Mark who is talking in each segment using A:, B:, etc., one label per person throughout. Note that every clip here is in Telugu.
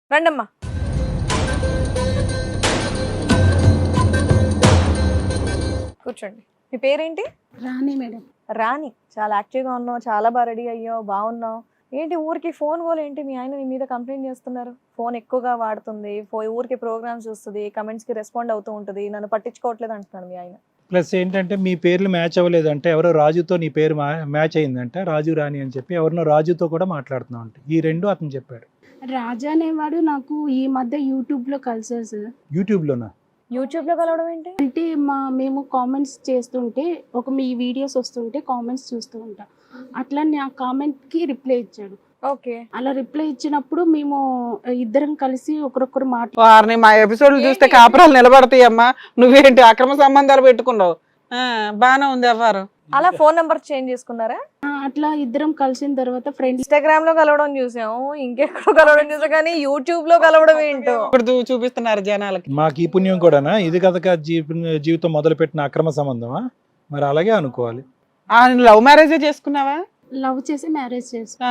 A: రండమ్మా. కూర్చోండి. మీ పేరేంటి?
B: రాణి మేడం.
A: రాణి. చాలా యాక్టివ్గా ఉన్నావు, చాలా బాగా రెడీ అయ్యావు, బాగున్నావు. ఏంటి ఊరికి ఫోన్ గోల్ ఏంటి? మీ ఆయన నీ మీద కంప్లైంట్ చేస్తున్నారు. ఫోన్ ఎక్కువగా వాడుతుంది, ఊరికి ప్రోగ్రామ్స్ చూస్తుంది, కమెంట్స్కి రెస్పాండ్ అవుతూ ఉంటుంది, నన్ను పట్టించుకోవట్లేదు అంటున్నాడు మీ ఆయన.
C: ప్లస్ ఏంటంటే మీ పేర్లు మ్యాచ్ అవ్వలేదంటే ఎవరో రాజుతో నీ పేరు మ్యాచ్ అయిందంట, రాజు రాణి అని చెప్పి ఎవరినో రాజుతో కూడా మాట్లాడుతున్నావు అంటే ఈ రెండు అతను చెప్పాడు.
B: రాజా అనేవాడు నాకు ఈ మధ్య యూట్యూబ్లో కలిసారు సార్.
C: యూట్యూబ్లోనా?
A: యూట్యూబ్లో కలవడం ఏంటి?
B: అంటే మేము కామెంట్స్ చేస్తుంటే మీ వీడియోస్ వస్తుంటే కామెంట్స్ చూస్తూ ఉంటాం. అట్లా నా కామెంట్కి రిప్లై ఇచ్చాడు.
A: ఓకే.
B: అలా రిప్లై ఇచ్చినప్పుడు మేము ఇద్దరం కలిసి ఒకరొకరు
D: వారిని మా ఎపిసోడ్లు చూస్తే కాపురాలు నిలబడతాయమ్మా. నువ్వేంటి అక్రమ సంబంధాలు పెట్టుకున్నావు? బానే ఉంది ఎవరు
A: అలా ఫోన్ నెంబర్ చేంజ్ చేసుకున్నారా?
B: అట్లా ఇద్దరం కలిసిన తర్వాత ఫ్రెండ్స్.
A: ఇన్స్టాగ్రామ్ లో కలవడం చూసాము, ఇంకెక్కడో కలవడం చూసాం, కానీ యూట్యూబ్ లో కలవడం ఏంటో
D: ఇప్పుడు చూపిస్తున్నారు జనాలకి.
C: మాకు ఈ పుణ్యం కూడానా? ఇది కథక జీవితం మొదలుపెట్టిన అక్రమ సంబంధమా? మరి అలాగే అనుకోవాలి.
D: లవ్ మ్యారేజే చేసుకున్నావా?
B: లవ్ చేసి మ్యారేజ్ చేసుకున్నా.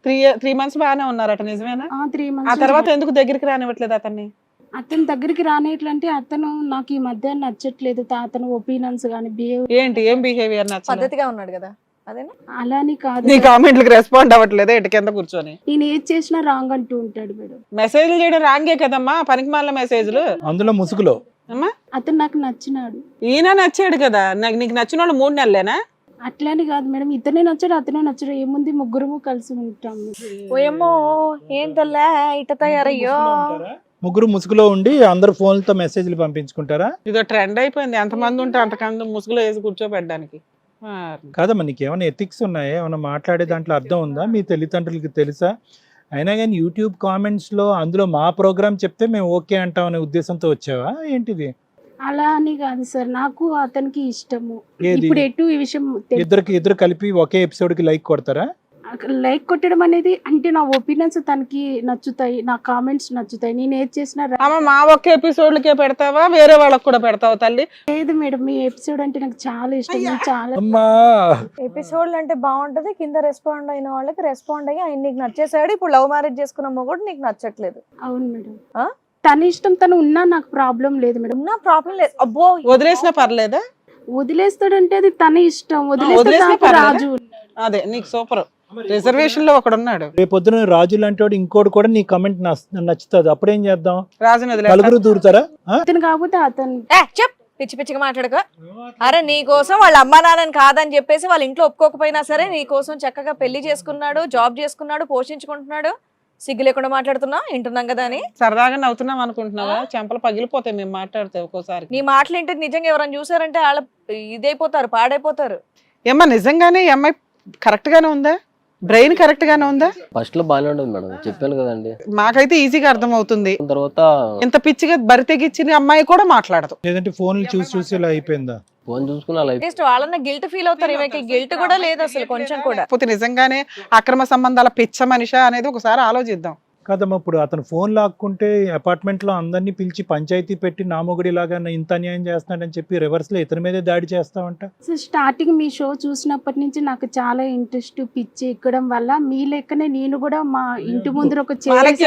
D: 3 months బాగానే ఉన్నారట, నిజమేనా?
B: 3
D: ఆ
B: months.
D: తర్వాత ఎందుకు దగ్గరికి రానివ్వట్లేదు అతన్ని?
B: అతని దగ్గరికి రానేట్లంటే అతను నాకు ఈ మధ్య నచ్చట్లేదు. అతను ఒపీనియన్స్ కానీ బిహేవ్
D: ఏం బిహేవియర్ నచ్చలేదు?
A: పద్ధతిగా ఉన్నాడు కదా, అదేనా?
B: అలాని కాదు.
D: నీ కామెంట్లకు రెస్పాండ్ అవ్వట్లేదు ఇటు కింద కూర్చొని.
B: నేను ఏది చేసినా రాంగ్ అంటూ ఉంటాడు మేడం.
D: మెసేజ్లు చేయడం రాంగే కదమ్మా, పనికి మాలిన మెసేజ్లు.
C: అందులో ముసుగులో
D: అమ్మా
B: అతను నాకు నచ్చినాడు.
D: ఈయన నచ్చాడు కదా. నీకు నచ్చిన వాళ్ళు 3 నెలలేనా?
B: అట్లాని కాదు మేడం, ఇతనే నచ్చాడు అతనే నచ్చాడు. ఏముంది, ముగ్గురము కలిసి ఉంటాము.
A: ఓయమ్మో, ఏం తెల్లా ఇట తయారయ్యో.
C: ముగ్గురు ముసుగులో ఉండి అందరు ఫోన్లతో మెసేజ్లు పంపించుకుంటారా?
D: ఇదో ట్రెండ్ అయిపోయింది. ఎంతమంది ఉంటే అంతకంత ముసుగులో వేసి కూర్చోబెట్టడానికి.
C: కాదమ్మా, నీకు ఏమైనా ఎథిక్స్ ఉన్నాయా? ఏమైనా మాట్లాడే దాంట్లో అర్థం ఉందా? మీ తల్లిదండ్రులకి తెలుసా? అయినా కానీ యూట్యూబ్ కామెంట్స్లో అందులో మా ప్రోగ్రామ్ చెప్తే మేము ఓకే అంటాం అనే ఉద్దేశంతో వచ్చావా ఏంటిది?
B: అలా అని కాదు సార్, నాకు అతనికి ఇష్టము.
C: ఏది?
B: ఇప్పుడు ఎటు ఈ విషయం
C: ఇద్దరు కలిపి ఒకే ఎపిసోడ్కి లైక్ కొడతారా?
B: లైక్ కొట్టడం అనేది అంటే నా ఒపీనియన్స్ తనకి నచ్చుతాయి, నా కామెంట్స్ నచ్చుతాయి. నేను ఏది చేసినా
D: అమ్మ మా ఒక్క ఎపిసోడ్లకే పెడతావా, వేరే వాళ్ళకి కూడా పెడతావా తల్లి?
B: లేదు మేడం, మీ ఎపిసోడ్ అంటే నాకు చాలా ఇష్టం. నేను చాలా
C: అమ్మా,
A: ఎపిసోడ్లు అంటే బాగుంటది, కింద రెస్పాండ్ అయిన వాళ్ళకి రెస్పాండ్ అయ్యి ఆయన నీకు నచ్చేసాడు. ఇప్పుడు లవ్ మ్యారేజ్ చేసుకున్న మొగుడు నీకు నచ్చట్లేదు.
B: అవును మేడం. తన ఇష్టం, తను ఉన్నా నాకు ప్రాబ్లం లేదు మేడం.
A: ఉన్నా ప్రాబ్లం లేదు. అబ్బో,
D: వదిలేసినా పర్లేదా?
B: వదిలేస్తాడంటే అది తన ఇష్టం.
D: వదిలేస్తే
B: వదిలేస్తే
D: పర్లేదా?
B: రాజు
D: అదే నీకు సూపర్. రిజర్వేషన్ లో ఒకడు ఉన్నాడు.
C: రేపొద్దున రాజు లాంటి వాడు ఇంకోటి కూడా నీ కమెంట్ నచ్చుతుంది, అప్పుడేం చేద్దాం?
D: రాజుని
C: నలుగురు దూరుతారా?
B: అతను కాకపోతే అతను.
A: చెప్ పిచ్చి పిచ్చిగా మాట్లాడక. అరే నీ కోసం వాళ్ళ అమ్మా నాన్నని కాదని చెప్పేసి వాళ్ళ ఇంట్లో ఒప్పుకోకపోయినా సరే నీ కోసం చక్కగా పెళ్లి చేసుకున్నాడు, జాబ్ చేసుకున్నాడు, పోషించుకుంటున్నాడు. సిగ్గు లేకుండా మాట్లాడుతున్నా, వింటున్నాం కదా అని
D: సరదాగా నవ్వుతున్నాం అనుకుంటున్నావా? చెంపలు పగిలిపోతాయి మేము మాట్లాడితే ఒక్కోసారి.
A: నీ మాటలు ఏంటి? నిజంగా ఎవరైనా చూసారంటే వాళ్ళ ఇదైపోతారు, పాడైపోతారు.
D: ఏమ్మా నిజంగానే ఈ అమ్మాయి కరెక్ట్ గానే ఉందా? బ్రెయిన్ కరెక్ట్ గానే ఉందా?
E: ఫస్ట్ లో బాగానే ఉండదు మేడం, చెప్పాను కదండి.
D: మాకైతే ఈజీగా అర్థం అవుతుంది.
E: తర్వాత
D: ఇంత పిచ్చిగా బరి తెగిచ్చిన అమ్మాయి కూడా మాట్లాడదు.
C: లేదంటే ఫోన్లు చూసి ఇలా అయిపోయిందా?
E: ఫోన్ చూసుకుని అలా
A: అట్లీస్ట్ వాళ్ళన్న గిల్ట్ ఫీల్ అవుతారు. ఈమెకి గిల్ట్ కూడా లేదు అసలు, కొంచెం కూడా.
D: కాకపోతే నిజంగానే అక్రమ సంబంధాల పిచ్చ మనిషి అనేది ఒకసారి ఆలోచిద్దాం.
C: కాదమ్మా, ఇప్పుడు అతను ఫోన్ లాక్కుంటే అపార్ట్మెంట్ లో అందరినీ పిలిచి పంచాయతీ పెట్టి నామొగడి లాగా ఇంత అన్యాయం చేస్తున్నాడని చెప్పి రివర్స్ లో ఇతని మీదే దాడి చేస్తావంట.
B: సో స్టార్టింగ్ మీ షో చూసినప్పటి నుంచి నాకు చాలా ఇంట్రెస్ట్, పిచ్చి ఎక్కడం వల్ల మీ లెక్కనే నేను కూడా మా ఇంటి ముందర ఒక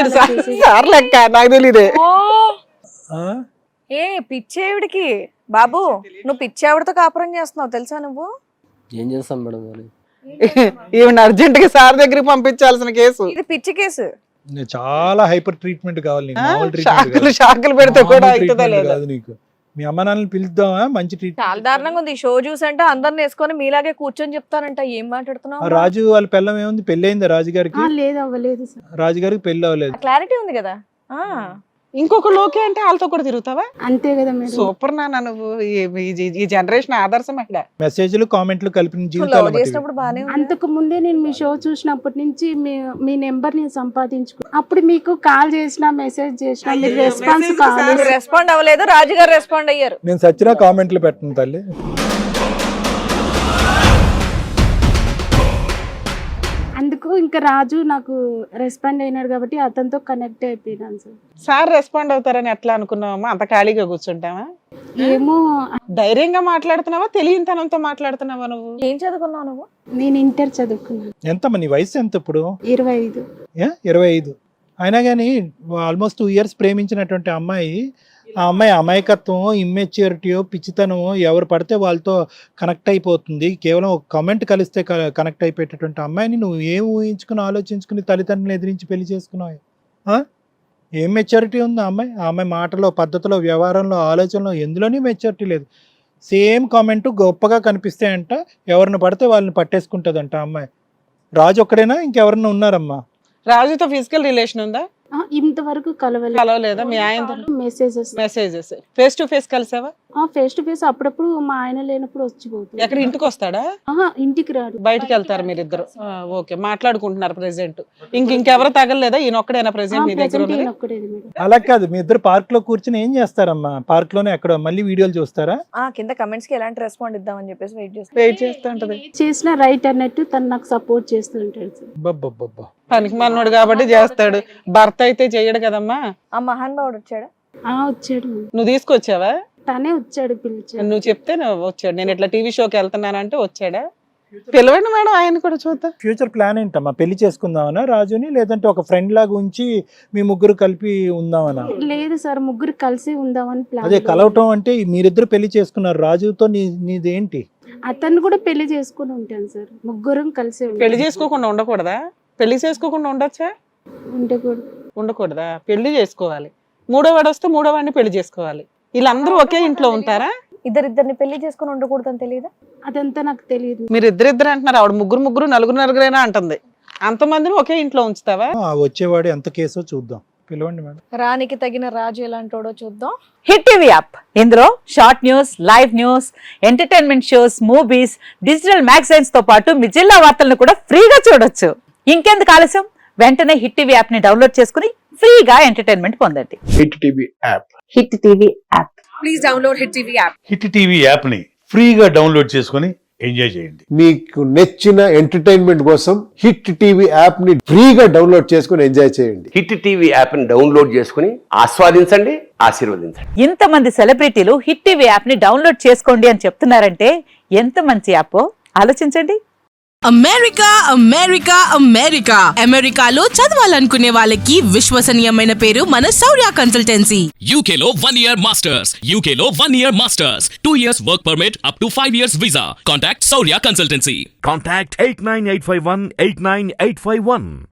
D: సార్ లెక్క నాకు తెలియదే.
A: ఏ పిచ్చేవిడికి బాబు, నువ్వు పిచ్చేవిడితో కాపురం చేస్తున్నావు తెలుసా? నువ్వు
E: ఏం చేస్తాం మేడం మరి?
D: ఈవెన్ అర్జెంట్ గా సార్ దగ్గరికి పంపించాల్సిన కేసు
A: ఇది, పిచ్చి కేసు.
C: చాలా హైపర్ ట్రీట్మెంట్ కావాలి నీకు. మామూలు ట్రీట్మెంట్ కాదు.
D: షాకులు పెడితే కూడా
C: మామూలు
D: అవుతుందా
C: ట్రీట్మెంట్
D: లేదా?
C: కాదు నీకు. మీ అమ్మ నాన్నని పిలుద్దామా? మంచి
A: చాలా
C: ట్రీట్మెంట్.
A: దారుణంగా ఉంది. ఈ షో చూసంటే అందరిని వేసుకొని మీలాగే కూర్చొని చెప్తానంట. ఏం మాట్లాడుతున్నావు?
C: రాజు వాళ్ళ పిల్లం ఏముంది? పెళ్లి అయిందా రాజుగారికి?
B: లేదు, అవ్వలేదు సార్.
C: రాజుగారికి పెళ్లి అవ్వలేదు.
A: క్లారిటీ ఉంది కదా.
D: ఇంకొక లోకే అంటే వాళ్ళతో కూడా తిరుగుతావా?
B: అంతే కదా మేడం.
D: సూపర్ నాన్న నువ్వు. ఈ జనరేషన్ ఆదర్శం మహిళ.
C: మెసేజ్లు కామెంట్లు కలిపిన జీవితాలు
A: చేసినప్పుడు బానే ఉంది.
B: అంతకు ముందే నేను మీ షో చూసినప్పటి నుంచి మీ నెంబర్ నేను సంపాదించుకున్నాను. అప్పుడు మీకు కాల్ చేసిన, మెసేజ్ చేసిన, మీరు రెస్పాన్స్ కావాలి.
A: రెస్పాండ్ అవ్వలేదు, రాజుగారు రెస్పాండ్ అయ్యారు.
C: నేను సచ్చినా కామెంట్లు పెట్టను తల్లి.
B: అందుకు ఇంకా రాజు నాకు రెస్పాండ్ అయినాడు కాబట్టి అతనితో కనెక్ట్ అయిపోయినాను సార్.
D: సార్ రెస్పాండ్ అవుతారని ఎట్లా అనుకున్నావమ్మా? అంత ఖాళీగా కూర్చుంటావా?
B: ఏమో,
D: ధైర్యంగా మాట్లాడుతున్నావా, తెలియనితనంతో మాట్లాడుతున్నావా? నువ్వు
A: ఏం చదువుకున్నావు నువ్వు?
B: నేను ఇంటర్ చదువుకున్నాను.
C: ఎంతమ్మా నీ వయసు? ఎంత ఇప్పుడు?
B: 25.
C: 25. అయినా కానీ ఆల్మోస్ట్ 2 years ప్రేమించినటువంటి అమ్మాయి, ఆ అమ్మాయి అమాయకత్వం, ఇమ్మెచ్యూరిటీయో, పిచ్చితనమో ఎవరు పడితే వాళ్ళతో కనెక్ట్ అయిపోతుంది. కేవలం ఒక కమెంట్ కలిస్తే కనెక్ట్ అయిపోయేటటువంటి అమ్మాయిని నువ్వు ఏం ఊహించుకుని ఆలోచించుకుని తల్లిదండ్రులను ఎదిరించి పెళ్లి చేసుకున్నావు? ఏం మెచ్యూరిటీ ఉంది ఆ అమ్మాయి మాటలో, పద్ధతిలో, వ్యవహారంలో, ఆలోచనలో ఎందులోని మెచ్యూరిటీ లేదు. సేమ్ కామెంట్ గొప్పగా కనిపిస్తాయంట, ఎవరిని పడితే వాళ్ళని పట్టేసుకుంటుందంట ఆ అమ్మాయి. రాజు ఒక్కడేనా ఇంకెవరన్నా ఉన్నారమ్మా?
D: రాజుతో ఫిజికల్ రిలేషన్ ఉందా?
B: ఇంతవరకు
D: కలవలేదా మీ ఆయన? మెసేజెస్. ఫేస్ టు ఫేస్ కలిసావా?
B: ఫేస్ టు ఫేస్ అప్పుడప్పుడు మా ఆయన లేనప్పుడు వచ్చిపోతుంది.
D: ఎక్కడ ఇంటికి వస్తాడా?
B: ఇంటికి రాడు,
D: బయటికి వెళ్తారు మీరిద్దరు. ఓకే, మాట్లాడుకుంటున్నారు ప్రెసెంట్. ఇంకెవరు తగలలేదా? ఈయన ఒక్కడేనా ప్రెసెంట్ మీ దగ్గర ఉన్నది?
C: అలా కాదు, మీ ఇద్దరు పార్క్ లో కూర్చుని ఏం చేస్తారమ్మా? పార్క్ లోనే ఎక్కడ మళ్ళీ వీడియోలు చూస్తారా?
A: కింద కమెంట్స్ కి ఎలాంటి రెస్పాండ్ ఇద్దామని చెప్పేసి
D: వెయిట్ చేస్తూ ఉంటది.
B: చేసిన రైట్ అన్నట్టు తను నాకు సపోర్ట్ చేస్తుంటాడు సార్.
C: బబ్బబ్బబ్బా,
D: పనికి మనోడు కాబట్టి చేస్తాడు, భర్త అయితే చెయ్యడు కదమ్మా.
A: ఆ మహానుభావుడు వచ్చాడా?
B: వచ్చాడు.
D: నువ్వు తీసుకొచ్చావా?
B: తనే వచ్చాడు, పిలిచాడు.
D: నువ్వు చెప్తే వచ్చాడు. నేను ఇట్లా టీవీ షోకి వెళ్తున్నానంటే వచ్చాడా? పిలవండి మేడం, ఆయన కూడా చూద్దాం.
C: ఫ్యూచర్ ప్లాన్ ఏంటమ్మా? పెళ్లి చేసుకుందామనా రాజుని, లేదంటే ఒక ఫ్రెండ్ లాగా ఉంచి మీ ముగ్గురు కలిపి ఉందామనా?
B: లేదు సార్, ముగ్గురు కలిసి ఉందామని ప్లాన్.
C: అదే కలవటం అంటే మీరిద్దరు పెళ్లి చేసుకున్నారు, రాజుతో నీదేంటి?
B: అతన్ని కూడా పెళ్లి చేసుకుని ఉంటాను సార్, ముగ్గురం కలిసి
D: పెళ్లి చేసుకోకుండా ఉండకూడదా? పెళ్లి చేసుకోకుండా ఉండొచ్చా? ఉండకూడదా? పెళ్లి చేసుకోవాలి. మూడో వాడు వస్తే మూడో వాడిని పెళ్లి చేసుకోవాలి. వీళ్ళందరూ ఒకే ఇంట్లో ఉంటారా?
A: ఇద్దరిద్దరిని పెళ్లి చేసుకుని ఉండకూడదని తెలియదా?
B: అదంతా నాకు తెలియదు.
D: మీరు ఇద్దరిద్దరు అంటున్నారు, ఆవిడ ముగ్గురు నలుగురైనా అంటుంది. అంతమందిని ఒకే ఇంట్లో ఉంచుతావా?
C: వచ్చేవాడు ఎంత కేసో చూద్దాం, పిలవండి మేడం.
A: రానికి తగిన రాజు ఎలాంటోడో చూద్దాం.
F: హిట్ టీవీ యాప్, ఇందులో short news, live news, entertainment shows, movies, digital magazines తో పాటు మీ జిల్లా వార్తలను కూడా ఫ్రీగా చూడొచ్చు. ఇంకెందుకు ఆలస్యం, వెంటనే హిట్ టీవీ యాప్ ని డౌన్లోడ్ చేసుకుని ఫ్రీగా ఎంటర్టైన్మెంట్ పొందండి.
G: Hit TV app.
F: Hit TV app.
H: Please download Hit TV app.
G: Hit TV app ని ఫ్రీగా డౌన్లోడ్ చేసుకుని ఎంజాయ్ చేయండి.
I: మీకు నచ్చిన ఎంటర్టైన్మెంట్ కోసం హిట్ టీవీ యాప్ ని ఫ్రీగా డౌన్లోడ్ చేసుకుని ఎంజాయ్ చేయండి.
J: హిట్ టీవీ యాప్ ని డౌన్లోడ్ చేసుకుని ఆస్వాదించండి, ఆశీర్వదించండి.
F: ఇంతమంది సెలబ్రిటీలు హిట్ టీవీ యాప్ ని డౌన్లోడ్ చేసుకోండి అని చెప్తున్నారంటే ఎంత మంచి యాప్ ఆలోచించండి.
H: అమెరికా అమెరికాలో చదవాలనుకునే వాళ్ళకి విశ్వసనీయమైన పేరు మన శౌర్య కన్సల్టెన్సీ.
K: UKలో 1 year masters, 2 years work permit up to 5 years visa. Contact Saurya Consultancy.
L: Contact 89851 89851.